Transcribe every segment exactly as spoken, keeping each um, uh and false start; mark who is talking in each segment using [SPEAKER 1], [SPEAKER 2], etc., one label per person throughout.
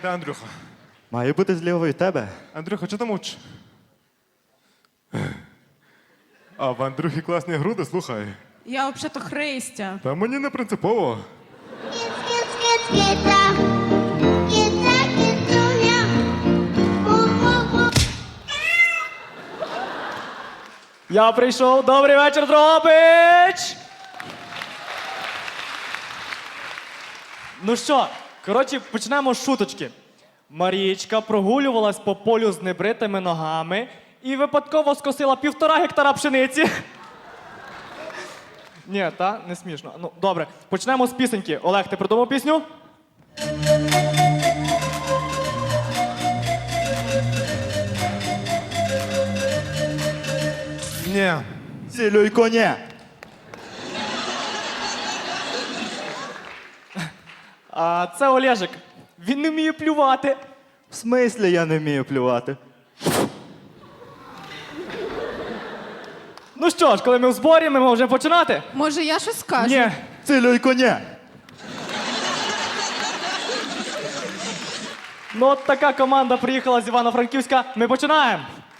[SPEAKER 1] де Андрюха?
[SPEAKER 2] Має бути зліва від тебе.
[SPEAKER 1] Андрюха, чого ти мовчиш? А в Андрюхі класні груди, слухай.
[SPEAKER 3] Я взагалі-то Христя.
[SPEAKER 1] Та мені не принципово.
[SPEAKER 4] Я прийшов. Добрий вечір, Дрогобич! Ну що, коротше, почнемо з шуточки. Марічка прогулювалась по полю з небритими ногами і випадково скосила півтора гектара пшениці. Ні, та, не смішно. Ну, добре, почнемо з пісеньки. Олег, ти придумав пісню?
[SPEAKER 1] Ні.
[SPEAKER 2] Цілюй коня.
[SPEAKER 4] А це Олежик. Він не вміє плювати.
[SPEAKER 2] В смислі я не вмію плювати?
[SPEAKER 4] Ну що ж, коли ми в зборі, ми можемо починати?
[SPEAKER 3] Може, я щось скажу?
[SPEAKER 4] Ні.
[SPEAKER 2] Цілюй коня.
[SPEAKER 4] Ну от така команда приїхала з Івано-Франківська. Ми починаємо.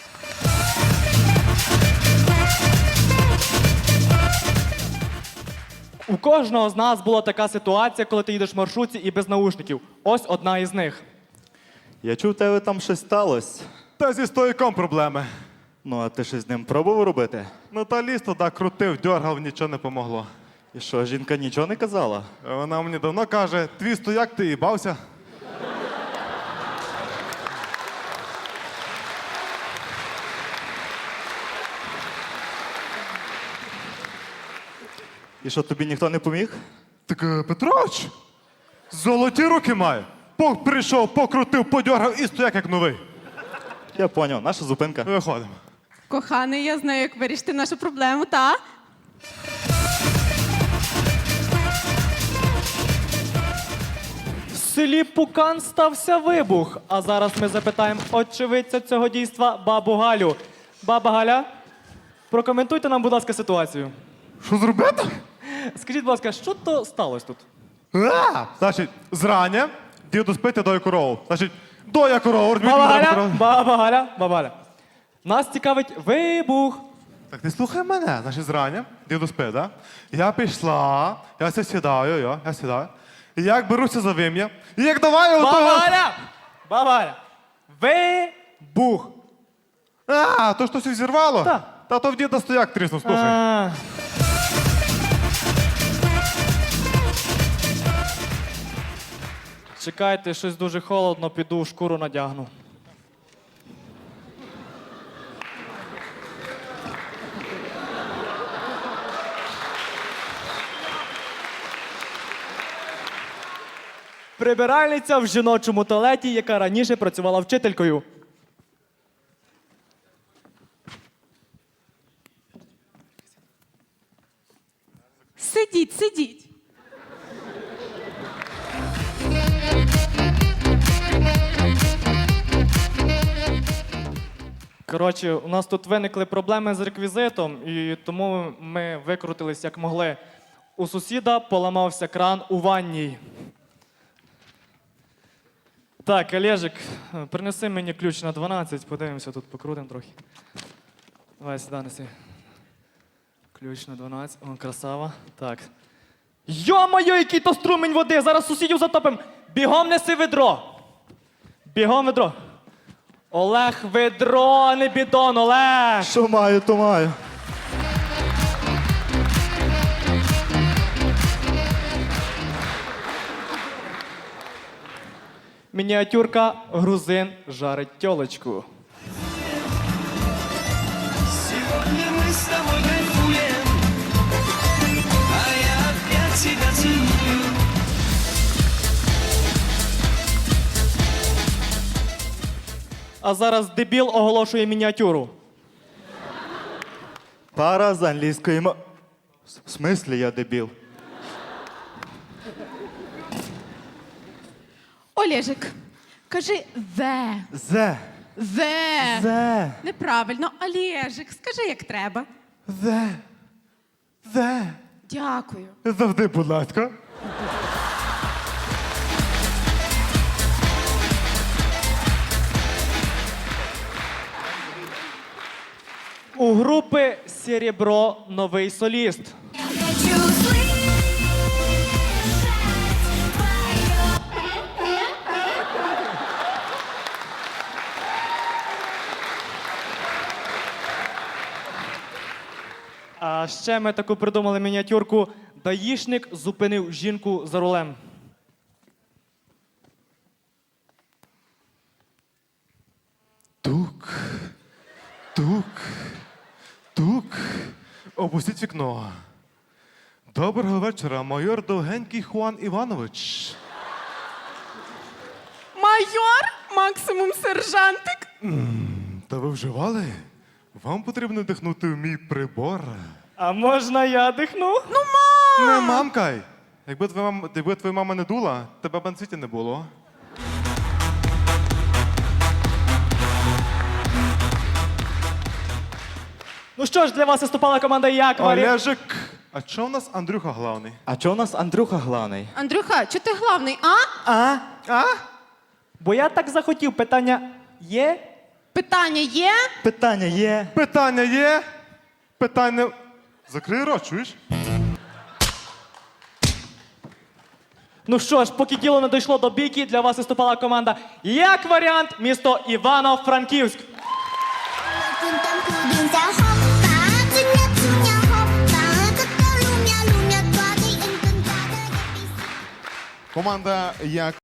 [SPEAKER 4] У кожного з нас була така ситуація, коли ти їдеш в маршрутці і без наушників. Ось одна із них.
[SPEAKER 2] Я чув, у тебе там щось сталося.
[SPEAKER 1] Та зі стояком проблеми.
[SPEAKER 2] Ну, а ти щось з ним пробував робити?
[SPEAKER 1] Ну та ліс туди крутив, дьоргав, нічого не помогло.
[SPEAKER 2] І що, жінка нічого не казала?
[SPEAKER 1] Вона мені давно каже, твій стояк, ти їбався.
[SPEAKER 2] І що, тобі ніхто не поміг?
[SPEAKER 1] Так е, Петрович, золоті руки має. Пок прийшов, покрутив, подьоргав і стояк як новий.
[SPEAKER 2] Я поняв, наша зупинка.
[SPEAKER 1] Виходимо.
[SPEAKER 3] Коханий, я знаю, як вирішити нашу проблему, та?
[SPEAKER 4] В селі Пукан стався вибух. А зараз ми запитаємо очевидця цього дійства бабу Галю. Баба Галя, прокоментуйте нам, будь ласка, ситуацію.
[SPEAKER 1] Що зробити?
[SPEAKER 4] Скажіть, будь ласка, що то сталося тут?
[SPEAKER 1] А, значить, зрання діду спити дою корову. Значить, доя корову, робіть
[SPEAKER 4] Баба
[SPEAKER 1] мені
[SPEAKER 4] Галя,
[SPEAKER 1] корову.
[SPEAKER 4] баба Галя, баба Галя. Нас цікавить вибух.
[SPEAKER 1] Так ти слухай мене, значить, зрання, діду спить, да? Я пішла, я ся сідаю, я, я сідаю. І як беруся за вим'я, і як давай
[SPEAKER 4] Баба
[SPEAKER 1] отого...
[SPEAKER 4] Галя! Баба Галя! Вибух!
[SPEAKER 1] А, то що щось зірвало?
[SPEAKER 4] Та.
[SPEAKER 1] Та то в діда стояк тріснув, слухай.
[SPEAKER 4] А. Чекайте, щось дуже холодно, піду шкуру надягну. Прибиральниця в жіночому туалеті, яка раніше працювала вчителькою.
[SPEAKER 3] Сидіть, сидіть.
[SPEAKER 4] Коротше, у нас тут виникли проблеми з реквізитом, і тому ми викрутились як могли. У сусіда поламався кран у ванній. Так, Олежик, принеси мені ключ на дванадцять, подивимося, тут покрутимо трохи. Давай сюди неси. Ключ на дванадцять, о, красава. Так. Йо-моє, який то струмень води, зараз сусідів затопимо. Бігом неси ведро. Бігом ведро. Олег, ведро, а не бідон, Олег!
[SPEAKER 2] Що маю, то маю.
[SPEAKER 4] Мініатюрка грузин жарить тьолочку.
[SPEAKER 5] Сегодня мы с тобой кайфуем, а я опять тебя целую.
[SPEAKER 4] А зараз дебіл оголошує мініатюру.
[SPEAKER 2] Пара з англійської мо... В смислі я дебіл?
[SPEAKER 3] Олежик, кажи «зе».
[SPEAKER 2] Зе.
[SPEAKER 3] «Зе».
[SPEAKER 2] Зе.
[SPEAKER 3] Неправильно. Олежик, скажи, як треба.
[SPEAKER 1] Зе. Зе.
[SPEAKER 3] Дякую.
[SPEAKER 1] Завжди, будь ласка.
[SPEAKER 4] групи Серебро новий соліст. А ще ми таку придумали мініатюрку. Даїшник зупинив жінку за рулем.
[SPEAKER 1] Тук, тук, тук. Опустіть вікно. Доброго вечора, майор Довгенький Хуан Іванович.
[SPEAKER 3] Майор, максимум сержантик.
[SPEAKER 1] Та ви вживали? Вам потрібно дихнути в мій прибор.
[SPEAKER 4] А можна я дихну?
[SPEAKER 3] Ну, мам!
[SPEAKER 1] Не мамкай. Якби твоя мама, якби твоя мама не дула, тебе б на світі не було.
[SPEAKER 4] Ну що ж, для вас виступала команда Як Варіант.
[SPEAKER 1] Олежик, а чого в нас Андрюха главний?
[SPEAKER 2] А чого у нас Андрюха главний?
[SPEAKER 3] Андрюха, чи ти главний, а?
[SPEAKER 2] А?
[SPEAKER 1] А?
[SPEAKER 4] Бо я так захотів. Питання є?
[SPEAKER 3] Питання є?
[SPEAKER 2] Питання є.
[SPEAKER 1] Питання є? Питання... Закрий рот, чуєш?
[SPEAKER 4] Ну що ж, поки діло не дійшло до бійки, для вас виступала команда Як Варіант, місто Івано-Франківськ.
[SPEAKER 6] Kuntam kudin sa hoppa, tunya tunya hoppa, katalumya lumya twagi in kuntada.
[SPEAKER 7] Команда Як